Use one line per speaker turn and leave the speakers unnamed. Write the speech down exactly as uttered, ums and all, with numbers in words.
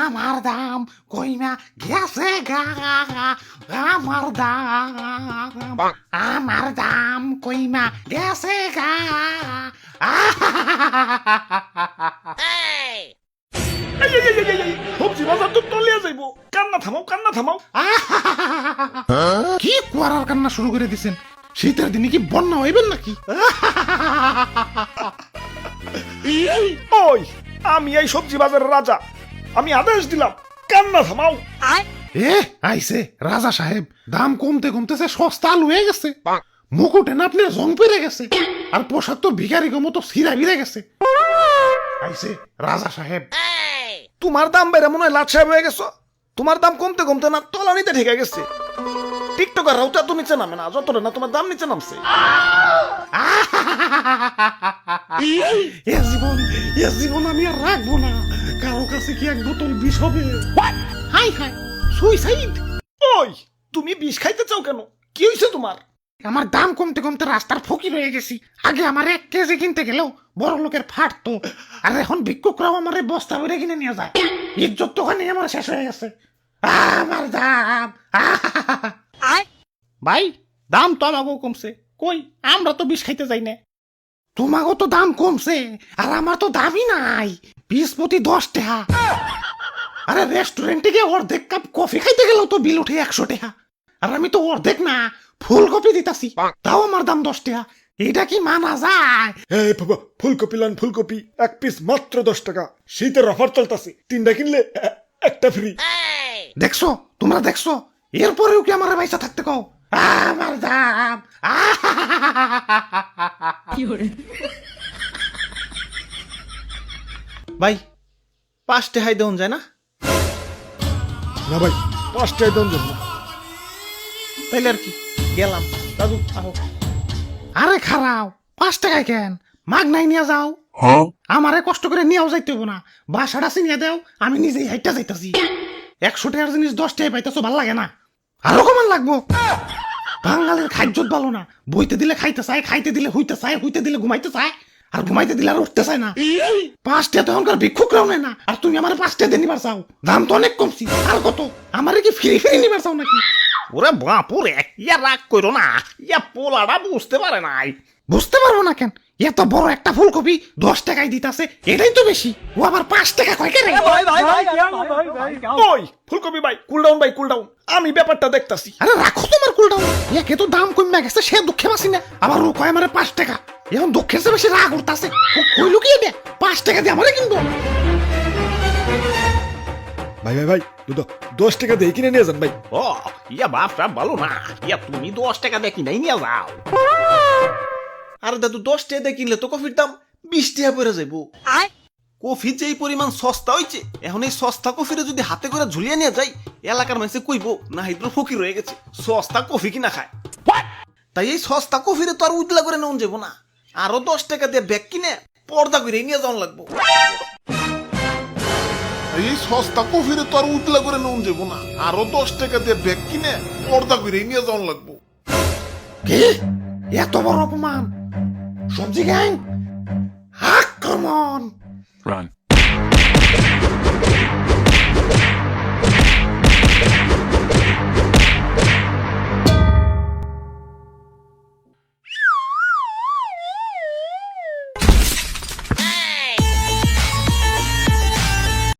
আমার দাম কইমা গেছে গা আমার দাম আমার দাম কইমা গেছে গা
সবজি বাজার তো তলিয়া যাইব কান্না থামাও কান্না থামাও
কি কুয়ারার কান্না শুরু করে দিছেন শীতের দিনে কি বন্যা হইবেন নাকি
ওই আমি এই সবজি বাজারের রাজা আমি আদেশ দিলাম কান্না থামাও
এ আইছে রাজা সাহেব দাম কমতে কমতেছে সস্তা আলু হয়ে গেছে মুকুটে না আপনার জং পেরে গেছে আর পোশাক তো ভিখারি মতো সিরা বিরে গেছে আইছে রাজা সাহেব
তোমার দাম বেড়ে মনে হয় লাট সাহেব হয়ে গেছো তোমার দাম কমতে কমতে না তলানিতে ঠেকে গেছে টিকটকার রাউটা তো নিচে নামে না যতটা না তোমার দাম নিচে নামছে
এ জীবন এ জীবন আমি আর রাখবো না কারো কাছে কি এক বোতল বিষ হবে হাই হাই সুইসাইড
ওই তুমি বিষ খাইতে চাও কেন কি হয়েছে তোমার
আমার দাম কমতে কমতে রাস্তার ফকির হয়ে গেছি আগে আমার এক কেজি কিনতে গেলেও বড় লোকের ফাটতো আর এখন ভিক্ষুকরাও আমার বস্তা ভরে কিনে নিয়ে যায় ইজ্জত তো ওখানে আমার শেষ হয়ে গেছে আমার দাম ভাই দাম তো আমাকেও কমছে কই আমরা তো বিষ খাইতে যাই না তোমাকেও তো দাম কমছে আর আমার তো দামই নাই বিশ প্রতি দশ টাকা আরে রেস্টুরেন্টে গিয়ে অর্ধেক কাপ কফি খাইতে গেলেও তো বিল উঠে একশো টাকা আর আমি তো অর্ধেক না ফুলকপি দিতাছি তাও আমার দাম দশ টাকা এটা কি মানা যায়
এই বাবা ফুলকপি লান ফুলকপি এক পিস মাত্র দশ টাকা শীতের অফার চলতেছে তিনটা কিনলে এ- একটা ফ্রি
দেখছো তোমরা দেখছো এরপরেও কি আমার পয়সা থাকতে কও আমার দাম
ভাই পাঁচটা হাই দেওয়া যায় না
না ভাই পাঁচটায় দাম জন্য
তাইলে আর কি গেলাম দাদু আহো
আরে খারাও পাঁচ টাকায় কেন মাগ নাই নিয়ে যাও আমারে কষ্ট করে নিয়েও যাইতে হবো না বাসাটা চিনিয়ে দেও আমি নিজেই হাইটা যাইতাছি একশো টাকার জিনিস দশ টাকায় পাইতেছো ভাল লাগে না আরো কমান লাগবো বাঙালির খাদ্যত ভালো না বইতে দিলে খাইতে চায় খাইতে দিলে হইতে চায় হইতে দিলে ঘুমাইতে চায় আর ঘুমাইতে দিলে আর উঠতে চায় না পাঁচটা তো এখনকার ভিক্ষুকরাও নেয় না আর তুমি আমার পাঁচটা দিয়ে নিবার চাও দাম তো অনেক কমছি আর কত আমারে কি ফ্রি ফ্রি নিবার চাও নাকি
ওরে বাপুরে ইয়া রাগ করো না ইয়া পোলাটা বুঝতে পারে নাই
বুঝতে পারবো না কেন এত বড় একটা ফুলকপি দশ টাকায় দিতাছে এটাই তো বেশি ও আবার পাঁচ টাকা কয় কেন
ওই ফুলকপি ভাই কুল ডাউন ভাই কুল ডাউন আমি ব্যাপারটা দেখতাছি
আরে রাখো তোমার কুলটাও একে তো দাম কমে গেছে সে দুঃখে বাসি না আবার ও কয় আমারে পাঁচ টাকা এখন দুঃখের চেয়ে বেশি রাগ উঠতাছে কই লুকিয়ে দে পাঁচ টাকা দিয়ে আমারে কিনবো
ভাই ভাই ভাই দুটো দশ টাকা দিয়ে কিনে নিয়ে যান ভাই
ও ইয়া বাপটা ভালো না ইয়া তুমি দশ টাকা দিয়ে কিনাই নিয়ে যাও আরে দাদু দশ টাকা দিয়ে কিনলে তো কফির দাম বিশ টাকা পড়ে যাইবো কফি যে এই পরিমাণ সস্তা হইছে এখন এই সস্তা কফিরে যদি হাতে করে ঝুলিয়ে নিয়ে যাই এলাকার মানুষে কইবো না হিদ্র ফকির হয়ে গেছে সস্তা কফি কিনা খায় তাই এই সস্তা কফিরে তো আর উজলা করে নেওয়া যাবো না আরো দশ টাকা দিয়ে ব্যাগ কিনে পর্দা করে নিয়ে যাওয়া লাগবো
এই সস্তা কফিরে তো আর উতলা করে নুন যাবো না আরো দশ টাকা দিয়ে ব্যাগ কিনে পর্দা করে নিয়ে যাওয়ান লাগবো
কি এত বড় অপমান সবজি গ্যাং আক্রমণ
Run.